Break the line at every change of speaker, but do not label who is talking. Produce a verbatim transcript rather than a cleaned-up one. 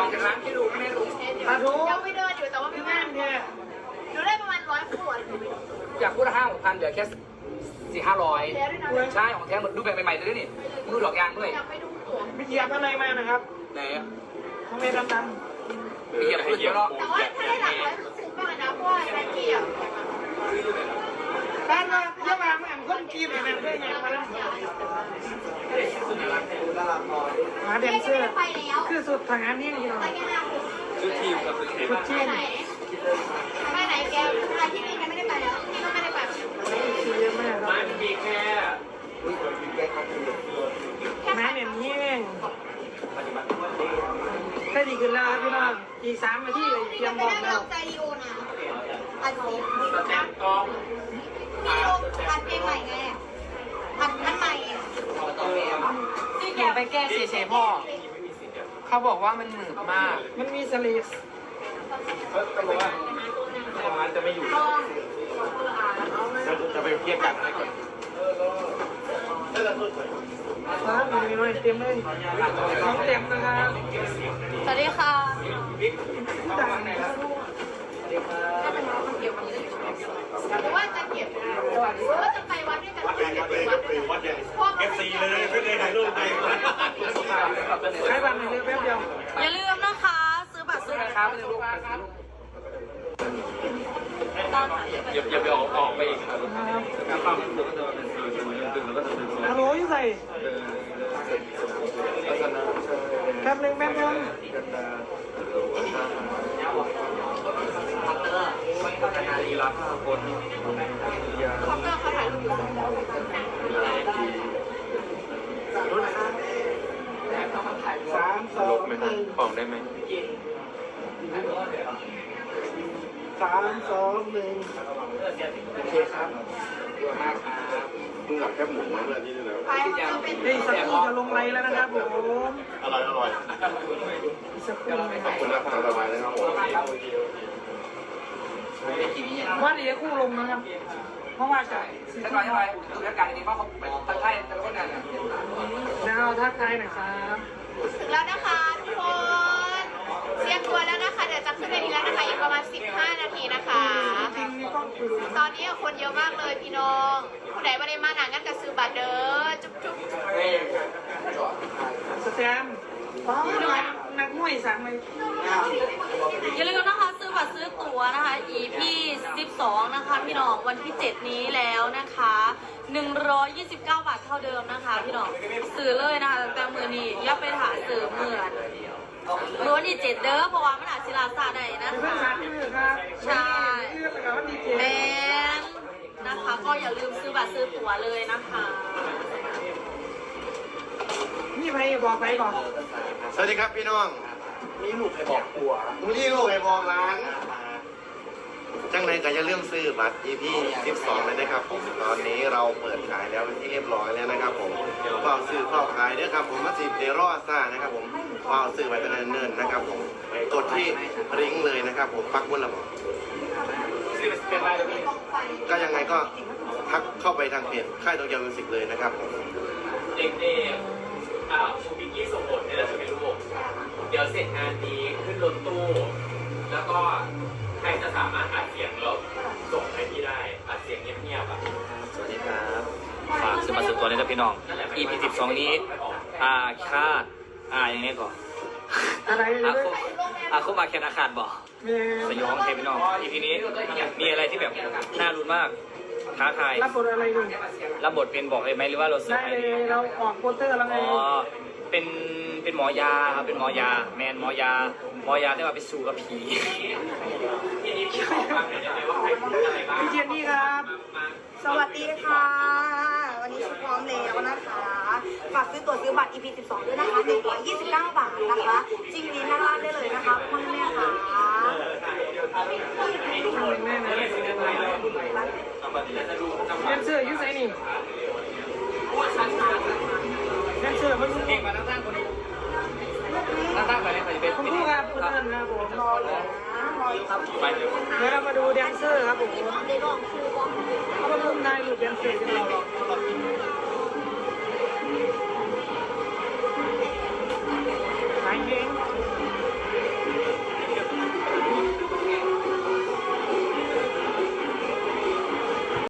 จากร้านที่ดูไม่รู้ตาทู
ยังไม่เดินอยู่แต่ว่าไม่มากดูได้ประมาณร้อยขวด
อยากพูดห้าหกพันเดี๋ยวแค่สี่ห้าร้อยใช่ของแท้หมดดูแบบใหม่ๆเลยนี่มือดอกยางด้วย
ไม่
เหยียบอะไรมานะครับไหนทำไมดำๆเหยียบเหยียบเนาะ
แต่ว่าถ้าได้หลักร้อยคุ้มมากนะเพราะว่าได้เกี่ยว
บ้านเราเยอะมากมันคนกีบเลยนะได้ไงมาแล้วหาเดนเซอร์คือสุดทางานนี่เรา
ชุดทีมกับชุดทีม
ชุดทีม
ไปไหนแกไปที่นี่แกไม่ได้ไปแล้วที่ก็ไม่ได้ไป
คือเยอะมากครับ
มันมีแค่
แม่เนี่ยนี่เองแค่ดีขึ้นแล้วพี่น้องอีกสามนาทีเลยเตรียมบอกแล้ว
ใจดีโอนะอัดซี
สแตมป์กอง
ดีโออัดเพลงใหม่ไงอัดอันใหม่
ที่แกไปแก้เฉยๆพ่อเขาบอกว่ามันหนืดมาก
มันมีสลีส
เขาบอกว่าร้านจะไม่อยู่จะไปเทียบกันให้ก่อน
ครับมีน้อยเต็มเลยน้องเต็มนะครับ
สวัสดีค่ะ
ต่างไหนครับ
หรือว่าจะเก็บหรือว่าจะไปวัดด้วยกัน
วัดใหญ่เลยวัดใหญ่เอฟซีเลยไม่ได้ถ่ายรูปไป
ใช้บัตรในเรือแป๊บเดียว
อย่าลืมนะคะซื้อบัตรซื้อ
ครับไม่รู้
อย่าอย่าไปออกออกไปอีกครับครับ
ฮัลโหลยี่ใส่แป๊บนึงแป๊บนึง
ลีลาห้าคน
เขาก็เขาถ่ายรูปอยู่
สามสองหนึ่ง
ออกได้ไหม
สามสองหนึ่งโอเคครับ
มึงหลับแค่หมุนมาเลยนี่เลย
ไปจะเป็น
นี่สักครู่จะลงไรแล้วนะครับผม
อร่อยอร่อย
สักครู่
ขอบคุณนะครับสบายเลยครับผม
ว่าเดี๋ยวคู่ลงนะครับเพราะว่าจะถ้าไปดูแลการนี้เพราะเขาทักทายแต่ละคนนั่นแล้วทักทายหน่อยครับ
ถึงแล้วนะคะทุกคนเตรียมตัวแล้วนะคะเดี๋ยวจะขึ้นไปดีแล้วนะคะอีกประมาณสิบห้านาทีนะคะตอนนี้คนเยอะมากเลยพี่น้องผู้ใดไม่ได้มาหนังกันกับซื้อบัตรเด้อจุ๊บจุ๊บ
สแตมอ๋อนักมวยสั่งเลย
อย่าลืมนะคะซื้อบัตรซื้อตั๋วนะคะ อี พี สิบสองนะคะพี่น้องวันที่เจ็ดนี้แล้วนะคะหนึ่งร้อยยี่สิบเก้าบาทเท่าเดิมนะคะพี่น้องซื้อเลยนะคะแต่มือนี้อย่าไปหาซื้อเหมือนรู้ว่านี่เจ็ดเด้อเพราะว่ามันอาจศิลาซาได้นะคะใช่แมนนะคะก็อย่าลืมซื้อบัตรซื้อตั๋วเลยนะคะ
นี่ใครบอกไปก่อน
สวัสดีครับพี่น้องมีลูกให้บอกผัวมีลูกให้บอกร้านจังไรก็จะเรื่องซื้อบัตร อี พี สิบสองเลยนะครับผมตอนนี้เราเปิดขายแล้วเป็นที่เรียบร้อยแล้วนะครับผมก็ซื้อเข้าขายด้วยครับผมมาสิบเดรอซ่านะครับผมก็ซื้อไว้เป็นเนิ่นๆนะครับผมกดที่ริงเลยนะครับผมปักบนระบบก็ยังไงก็ทักเข้าไปทางเพจค่ายโตเกียวมิวสิกเลยนะครับผม
เด็กๆอ่าคุณพิกกี้ส่งบทเนี่ยแหละจะเป็นลูกเดี๋ยวเสร็จงานนี้ขึ้นรถตู้แล้วก็ใครจะสามารถอัดเสียงแล้วส่งให้พี่ได้อัดเสียงเงียบๆอ่ะ
สวัสดีครับฝากซื้อมาสืบตัวนี้นะพี่น้อง อี พี สิบสองนี้อาคาดอาอย่างนี้ก่อน
อะไร
อาคุอาคุมาแคนอาคาดบอกสยองเทพี่น้อง อี พี นี้มีอะไรที่แบบน่ารุนมากท้าทาย
รับบทอะไรดู
รับบทเป็นบอกเลยไหมหรือว่าเราเสือ
ได้เลยเราออกโปสเตอร์แล้วไง
อ๋อเป็นเป็นหมอยาครับเป็นหมอยาแมนหมอยาหมอยาที่ว่าไปสู้กับผี
พี่เจนนี่ครับ
สวัสดีค่ะวันนี้ชุดพร้อมแล้วนะคะฝากซื้อตั๋วซื้อบัตร อี พี สิบสอง ด้วยนะคะหนึ่งร้อยยี่สิบเก้าบาทนะคะจริงดีน่ารักได้เลยนะคะพ่อแม่ค่ะ
แม่นะแดนเซอร์ยูไซนี่แดนเซอร์มันเก่งมาตั้งตั้งคนนี้ตั้งตั้งไปเลยไปเป็นคุณครูครับคุณท่านครับผมรอเลยเดี๋ยวเรามาดูแดนเซอร์ครับผมเขามาร่วมนายหลุดแดนเซอร์กันเรา